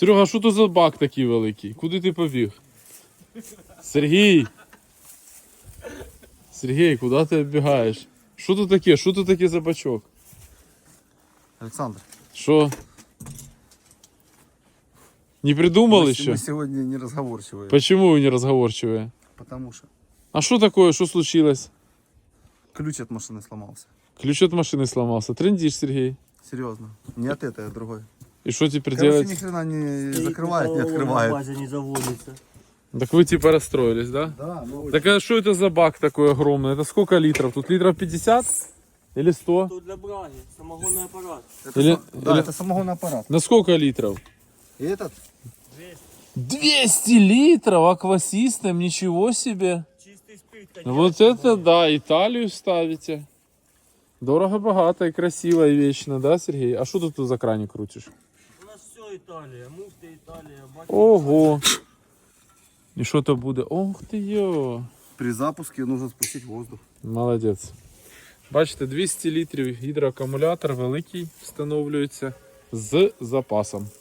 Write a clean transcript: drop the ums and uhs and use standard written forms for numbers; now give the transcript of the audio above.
Серега, що то за бак такий великий? Куди ти побіг? Сергій! Сергій, куди ти бігаєш? Що тут таке? Що тут таке за бачок? Александр, Що? Не придумали мы еще? сегодня не разговорчивые, Почему вы не разговорчивые? потому что А что такое? Что случилось? ключ от машины сломался. Ключ от машины сломался. Трындишь, Сергей. Серьезно. Не от этой, а от другой. И что теперь Короче, делать? ни хрена не закрывает, не На открывает. базе не заводится. Так вы типа расстроились, да? Да, ну Так а что это за бак такой огромный? Это сколько литров? Тут литров 50? Или 100? Тут для браги, самогонный аппарат. Или- да, или- это самогонный аппарат. На сколько литров? И этот 200 литров аквасистем, ничего себе. Чистый спирт, конечно. Вот это да, Италию ставите. Дорого-богато и красиво и вечно, да, Сергей? А что ты тут за краник крутишь? У нас все Италия, муфта Италия, баки. Ого! И что-то будет. Ох ты ё! при запуске нужно спустить воздух. Молодець. Бачите, 200 літрів гідроакумулятор великий встановлюється з запасом.